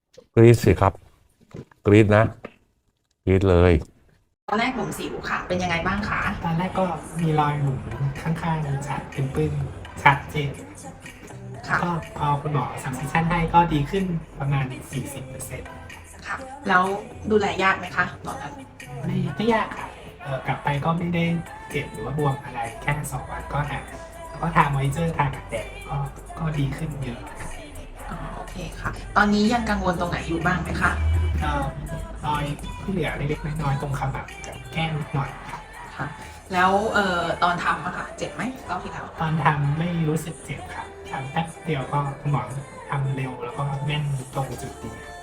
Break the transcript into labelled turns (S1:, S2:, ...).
S1: กรี๊ดสิครับกรี๊ดนะกรี๊ดเลย
S2: ตอนแรกผมสิวค่ะเป็นยังไงบ้างคะ
S3: ตอนแรกก็มีรอยหมุนข้างๆชัดเป็นปื้นชัดเจนแล้ว
S2: ค่ะ
S3: ก็พอคุณหมอสั่งเซสชั่นให้ก็ดีขึ้นประมาณ 40%
S2: ค่ะแล้วดูแลยากไหมคะตอนนั้น
S3: ไม่ยากค่ะกลับไปก็ไม่ได้เจ็บหรือว่าบวมอะไรแค่2 วันก็หายแล้วก็ทามอยเจอร์ทากันแดดก็ดีขึ้นเยอะ
S2: อ๋อโอเคค่ะตอนนี้ยังกังวลตรงไหนอยู่บ้างไหมคะ
S3: ก็รอยที่เหลือเล็กๆน้อยๆตรงขมับกับแก้มนิดหน่อยค่ะ
S2: ค่ะแล้วตอนทำอะค่ะเจ็บไหมรอบที่แล้ว
S3: ตอนทำไม่รู้สึกเจ็บค่ะทำแป๊บเดียวก็คุณหมอทำเร็วแล้วก็แม่นตรงจุดดี